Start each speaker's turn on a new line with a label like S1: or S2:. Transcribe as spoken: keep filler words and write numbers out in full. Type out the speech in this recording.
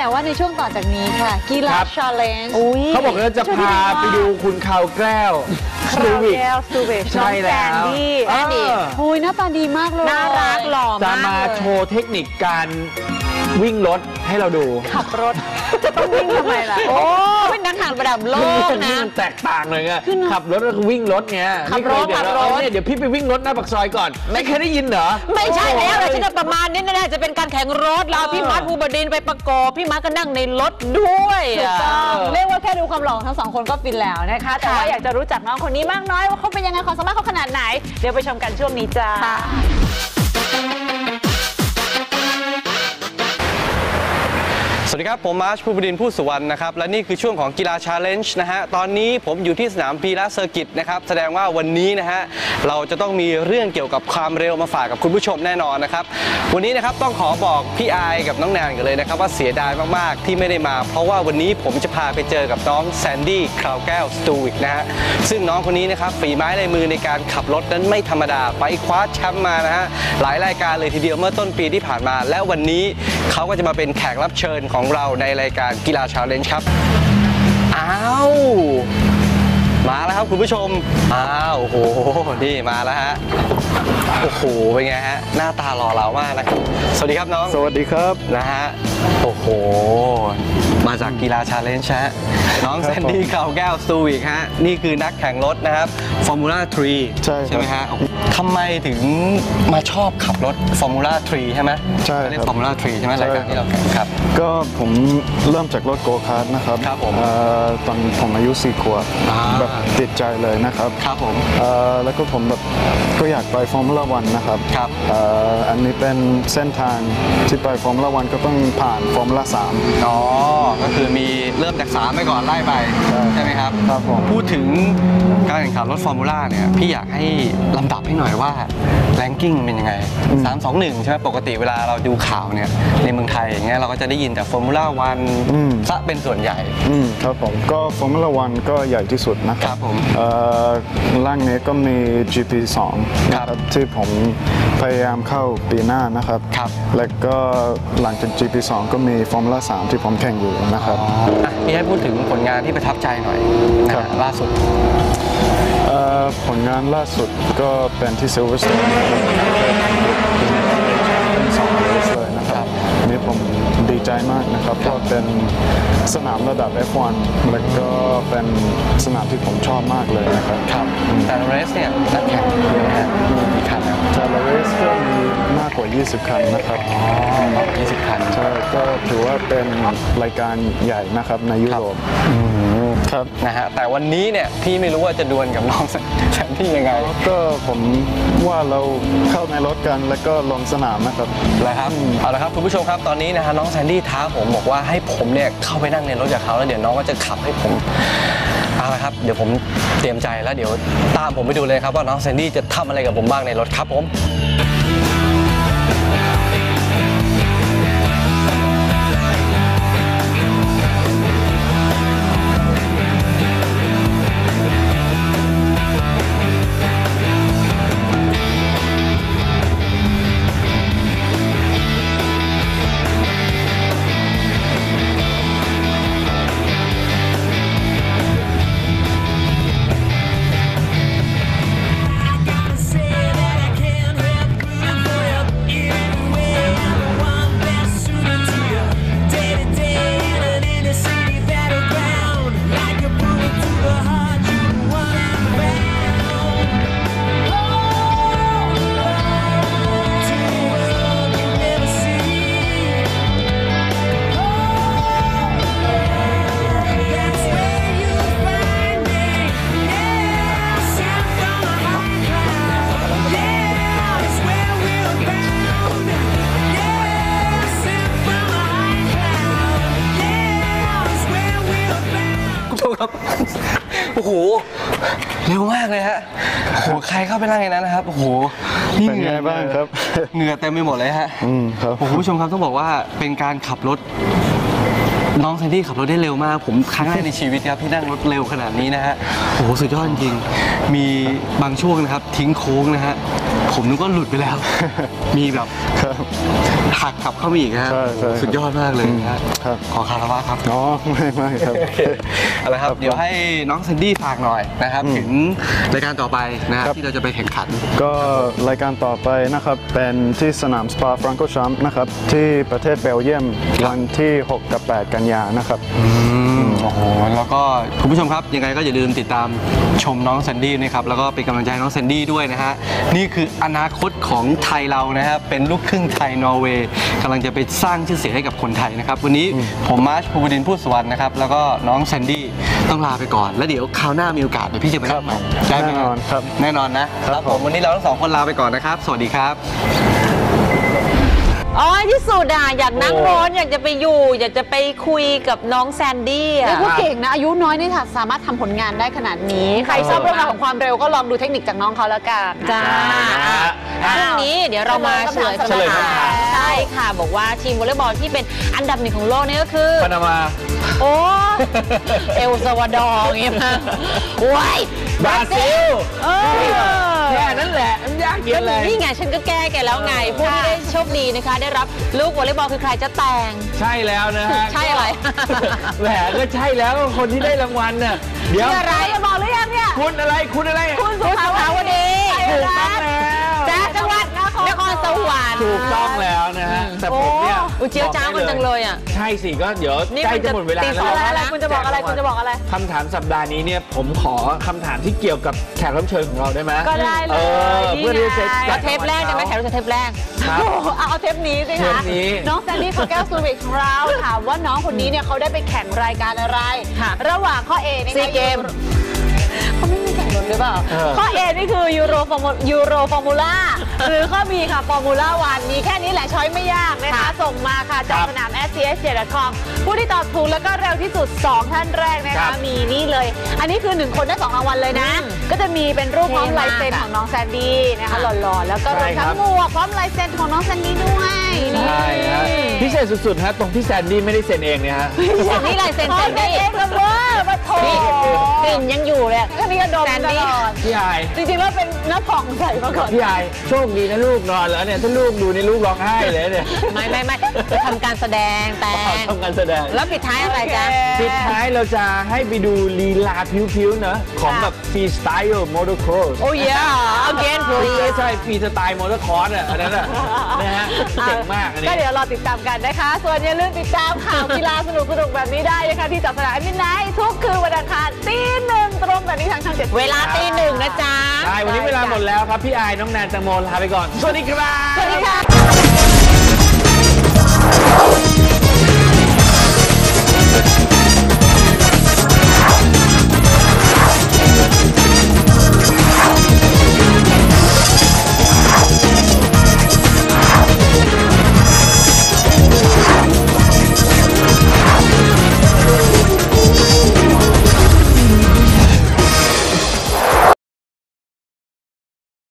S1: แต่ว่าในช่วงต่อจากนี้ค่ะกีฬาชาเลนจ์
S2: เขาบอกว่าจะพาไปดูคุณข่าวแก้ว
S1: คราวแก้วสตูเวชน้องแซนดี้โอ้ยหน้าตาดีมากเลย
S3: น่ารักหล่อมาก
S2: จะมาโชว์เทคนิคการวิ่งรถให้เราดู
S1: ขับรถจะต้องวิ่งทำไมล่ะ
S3: โอ้เป็นนักข่าวระดับโลกนะ
S2: มันแตกต่างเลยไงขับรถแล้ววิ่งรถเงี้ย
S3: ขับรถขับรถ
S2: เนี่ยเดี๋ยวพี่ไปวิ่งรถหน้าปากซอยก่อนไม่เคยได้ยินเหรอ
S3: ไม่ใช่แล้วเลยที่จะประมาณนี้แน่ๆจะเป็นการแข่งรถเราพี่มัดภูบดินไปประกอบพี่มัดก็นั่งในรถด้วย
S1: ถูกต้องเรียกว่าแค่ดูความหล่อทั้งสองคนก็ฟินแล้วนะคะแต่ว่าอยากจะรู้จักน้องคนนี้มากน้อยว่าเขาเป็นยังไงความสามารถเขาขนาดไหนเดี๋ยวไปชมกันช่วงนี้จ้า
S4: สวัสดีครับผมมาร์ชภูบดินทร์ผู้สุวรรณนะครับและนี่คือช่วงของกีฬาชาเลนจ์นะฮะตอนนี้ผมอยู่ที่สนามพีระเซอร์กิตนะครับแสดงว่าวันนี้นะฮะเราจะต้องมีเรื่องเกี่ยวกับความเร็วมาฝากกับคุณผู้ชมแน่นอนนะครับวันนี้นะครับต้องขอบอกพี่อายกับน้องแนนกันเลยนะครับว่าเสียดายมากๆที่ไม่ได้มาเพราะว่าวันนี้ผมจะพาไปเจอกับน้องแซนดี้คราวแก้วสตูวิกนะฮะซึ่งน้องคนนี้นะครับฝีไม้ลายมือในการขับรถนั้นไม่ธรรมดาไปคว้าแชมป์มานะฮะหลายรายการเลยทีเดียวเมื่อต้นปีที่ผ่านมาและวันนี้เขาก็จะมาเป็นแขกรับเชิญของเราในรายการกีฬาชาเลนจ์ครับอ้าวมาแล้วครับคุณผู้ชมอ้าวโอ้โหนี่มาแล้วฮะโอ้โหเป็นไงฮะหน้าตาหล่อเหลามากนะครับสวัสดีครับน้อง
S5: สวัสดีครับ
S4: นะฮะโอ้โหมาจากกีฬาชาเลนจ์ฮะน้องแซนดี้คราวแก้วสตูวิกฮะนี่คือนักแข่งรถนะครับฟอร์มูล่าทรี
S5: ใช่
S4: ใช่ไหมฮะทำไมถึงมาชอบขับรถฟอร์มูล่าทรีใช่ไหม
S5: ใช่
S4: เรียกฟอร์มูล่าทรีใช่ไหมรายการที่เราแข่งครับ
S5: ก็ผมเริ่มจากรถโกคาร์ทนะครับ
S4: ครับผม
S5: ตอนผมอายุสี่ขวบแบบติดใจเลยนะครับ
S4: ครับผม
S5: แล้วก็ผมแบบก็อยากไปฟอร์มูล่าวันนะครับ
S4: ครับ
S5: อันนี้เป็นเส้นทางที่ไปฟอร์มูล่าวันก็ต้องผ่านฟอร์มูล่าสาม
S4: อ๋อก็คือมีเริ่มจากสามไปก่อนไล่ไปใช่ไหมครับ
S5: ครับผม
S4: พูดถึงการแข่งขันรถฟอร์มูล่าเนี่ยพี่อยากให้ลำดับให้หน่อยว่าแรงกิ้งเป็นยังไงสาม สอง หนึ่งใช่ไหมปกติเวลาเราดูข่าวเนี่ยในเมืองไทยอย่างเงี้ยเราก็จะได้ยินแต่ฟอร์มูล่าวันซะเป็นส่วนใหญ่
S5: ครับผมก็ฟอร์มูล่าวันก็ใหญ่ที่สุดนะครับ
S4: ผม
S5: ล่างนี้ก็มี จี พี สอง นะครับที่ผมพยายามเข้าปีหน้านะครับและก็หลังจาก จี พี สอง ก็มีฟอร์มูล่าสามที่ผมแข่งอยู่นะครับ
S4: พี่ให้พูดถึงผลงานที่ประทับใจหน่อยนะล่าสุด
S5: ผลงานล่าสุดก็เป็นที่ซิลเวอร์สโตนเป็นสองเลสเลยนะครับนี่ผมดีใจมากนะครับเพราะเป็นสนามระดับ เอฟ วัน แล้วก็เป็นสนามที่ผมชอบมากเลยนะครับ
S4: ครับแต่เรสเนี่ยนักแข่งเยอะนะมีกี่คันครับ
S5: แต่เรสก็มีมากกว่ายี่สิบคันนะครับ
S4: อ๋อมากกว่ายี่สิบคัน
S5: ใช่ก็ถือว่าเป็นรายการใหญ่นะครับในยุโรป
S4: ครับนะฮะแต่วันนี้เนี่ยพี่ไม่รู้ว่าจะดวลกับน้องแซนดี้ยังไง
S5: ก็ผมว่าเราเข้าในรถกันแล้วก็ลงสนามนะครับ
S4: เลยครับเอาละครับคุณผู้ชมครับตอนนี้นะฮะน้องแซนดี้ท้าผมบอกว่าให้ผมเนี่ยเข้าไปนั่งในรถกับเขาแล้วเดี๋ยวน้องก็จะขับให้ผมเอาละครับเดี๋ยวผมเตรียมใจแล้วเดี๋ยวตามผมไปดูเลยครับว่าน้องแซนดี้จะทำอะไรกับผมบ้างในรถครับผมโอ้โหเร็วมากเลยฮะโอ้โหใครเข้าไปนั่งในนั้นนะครับโอ้โห
S5: นี่เป็นไงบ้างครับ
S4: เหงื่อเต็มไปหมดเลยฮะ
S5: อืมครับ
S4: คุณผู้ชมครับต้องบอกว่าเป็นการขับรถน้องแซนดี้ขับรถได้เร็วมากผมครั้งแรกในชีวิตครับที่นั่งรถเร็วขนาดนี้นะฮะโอ้โหสุดยอดจริงมีบางช่วงนะครับทิ้งโค้งนะฮะผมนึกว่าหลุดไปแล้วมีแบบ
S5: ครับ
S4: หักขับเข้ามาอีกนะฮะ
S5: ใช่ใช่ครับ
S4: สุดยอดมากเลยนะฮะ
S5: ครับ
S4: ขอคารวะครับ
S5: อ๋อไม่ไม่ครับ
S4: เอาละครับเดี๋ยวให้น้องแซนดี้ฝากหน่อยนะครับ
S5: อืม
S4: ถึงรายการต่อไปนะครับ
S5: ครับ
S4: ที่เราจะไปแข่งขัน
S5: ก็รายการต่อไปนะครับเป็นที่สนามสปาฟรังโกชัมป์นะครับที่ประเทศเบลเยียมวันที่ หก กับ แปด กันยานะครับ
S4: โอ้โหแล้วก็คุณผู้ชมครับยังไงก็อย่าลืมติดตามชมน้องแซนดี้นะครับแล้วก็เป็นกำลังใจให้น้องแซนดี้ด้วยนะฮะนี่คืออนาคตของไทยเรานะครับเป็นลูกครึ่งไทยนอร์เวย์กำลังจะไปสร้างชื่อเสียงให้กับคนไทยนะครับวันนี้ผมมาร์ชภูบดินทร์พูดสวรรค์นะครับแล้วก็น้องแซนดี้ต้องลาไปก่อนแล้วเดี๋ยวคราวหน้ามีโอกาสเดี๋ยวพี่จะไป
S5: ครั
S4: รั
S5: บบ
S4: ใหม่ได้ไหม
S5: แน่นอนครับ
S4: แน่นอนนะครับผมวันนี้เราทั้งสองคนลาไปก่อนนะครับสวัสดีครับ
S3: อ๋อที่สุดอ่ะอยากนั่งรถอยากจะไปอยู่ อยากจะไปคุยกับน้องแซนดี้
S1: เรีย
S3: อ่ะ
S1: กว่าเก่งนะ อายุน้อยนี่ค่ะสามารถทำผลงานได้ขนาดนี้ ใครชอบเรื่องราวของความเร็วก็ลองดูเทคนิคจากน้องเขาแล้วกัน
S3: จ้าพรุ่งนี้เดี๋ยวเรามาเฉลย
S1: เฉลยคำถาม
S3: ใช่ค่ะ บอกว่าทีมวอลเลย์บอลที่เป็นอันดับหนึ่งของโลกนี่ก็คือ
S2: ปานามา
S3: โอ้ เอลซาวาดอร์อย่างเงี้ยมาว้าย
S2: บราซิล
S3: เออ
S2: แค่นั้นแหละมันยากเย็นเลย
S3: นี่ไงฉันก็แก้แกแล้วไง ผู้ที่ได้โชคดีนะคะ ได้รับลูกวอลเลย์บอลคือใครจะแต่ง
S2: ใช่แล้วนะฮะ
S3: ใช่อะไร
S2: แหมก็ใช่แล้วคนที่ได้รางวัลน่ะเดี๋ยว
S3: ชื่ออะไร
S1: จะบอกหรือยังเนี่ย
S2: คุณอะไรคุณอะไร
S1: คุณสุ
S3: คุณสุภาวดี
S2: ถูกต้องแล้ว
S3: จากจังหวัดนครสวรรค์
S2: ถูกต้องแล้วนะฮะแต่ผมเนี่ย
S3: โอ้เจียวจ้าวกันจังเลยอ่ะ
S2: ใช่สิก็เดี๋ยว
S3: นี่
S2: ใกล้
S3: มัน
S2: จะ
S3: จะ
S2: หมดเวลา
S3: ตี
S2: แล้
S3: ส
S2: ว
S3: อง
S1: อะไรคุณจะบอกอะไรคุณจะบอกอะไร
S2: คำถามสัปดาห์นี้เนี่ยผมขอคำถามที่เกี่ยวกับแขกรับเชิญของเราได้ไหม
S1: ก็ได้เลย
S2: ออ
S1: นี่
S2: เพื่อที่จะ
S1: ไง
S3: แล้วเทปแรกจะไม่แข่งเทปแรก
S2: ครับ
S1: โอ้โหเอาเอาเทปนี้สิ
S2: เท
S1: คะ
S2: ปนี้
S1: น้องแซนดี้ของแก้วซูวิกของเราถามว่าน้องคนนี้เนี่ยเขาได้ไปแข่งรายการอะไร
S3: ค่ะ
S1: ระหว่างข้อ A นะคะ
S3: ซีเกม
S1: เขาไม่มีแข่งรถหรือเปล่า
S2: เออ
S1: ข้อ A นี่คือยูโรฟอร์มูยูโรฟอร์มูล่าหรือข้อ B ค่ะฟอร์มูล่าวันมีแค่นี้แหละช้อยไม่ยากนะคะ
S3: ค่ะ
S1: ส่งมาค่ะจากสนาม แอส ซี เอส เจ็ด ดอท คอม ผู้ที่ตอบถูกแล้วก็เร็วที่สุด สอง ท่านแรกนะ
S2: ครั
S1: คะ
S2: บ
S1: มีนี่เลย อันนี้คือหนึ่งคนได้สองรางวัลเลยนะ
S3: อืม
S1: ก็จะมีเป็นรูปพร้อม
S3: เท่มาก
S1: ลายเซ็น
S3: อะ
S1: ของน้องแซนดี้นะคะ
S3: ค่ะ
S1: หล่อๆแล้วก็รวม
S2: ใช่ครั
S1: ทั้
S2: บ
S1: งหมวกพร้อมลายเซ็นของน้องแซนดี้ด้วยนี่
S2: ใช่ฮะพิเศษสุดๆฮะตรงที่แซนดี้ไม่ได้เซ็นเองเนี่ยฮะ
S3: นี่ลายเซ็น
S1: ขอ
S3: แซน
S1: เซ็น
S3: ดี้
S1: เองกับเวอร์มาโถ
S3: นี่กลิ่นยังอยู่เลย
S1: ก็นี่ก็ดม
S3: แซน
S1: ต
S3: ดี้
S1: ลอด
S2: พี่ไอาย
S1: จริงๆแล้วเป็นน้าผ่องใส่มาก่อน
S2: พี่ไอายโชคดีนะลูกนอนแล้วเนี่ยถ้าลูกดูในลูกร้องไห้เลยเนี่ย
S3: ไม่ไม่ไม่จะทำการแสดงแต่ง
S2: ทำการแสดง
S3: แล้วปิดท้ายอะไรจ๊ะ
S2: ปิดท้ายเราจะให้ไปดูลีลาพิ้วๆเนอะของแบบฟรีสไตล์มอเตอร์ครอส
S3: โอ้ยอ่ะ again
S2: ใช่
S3: please
S2: ใช่ฟรีสไตล์มอเตอร์คอร์สอ่ะอันนั้นอ่ะนะฮะเจ๋งมากอันนี้
S1: ก็เดี๋ยวรอติดตามกันนะคะ ส่วนอย่าลืมติดตามข่าวกีฬาสนุกๆแบบนี้ได้นะคะที่จับสนามมินไนท์ทุกคืนวันอังคารตีหนึ่งตรงแบบนี้ทางช่องเจ็ด
S3: เวลาตีหนึ่งนะจ๊ะ
S2: ใช่วันนี้เวลาหมดแล้วครับ พี่ไอายน้องแนนแตงโมลาไปก่อน สวัสดีครับ
S1: สวัสดีค่ะ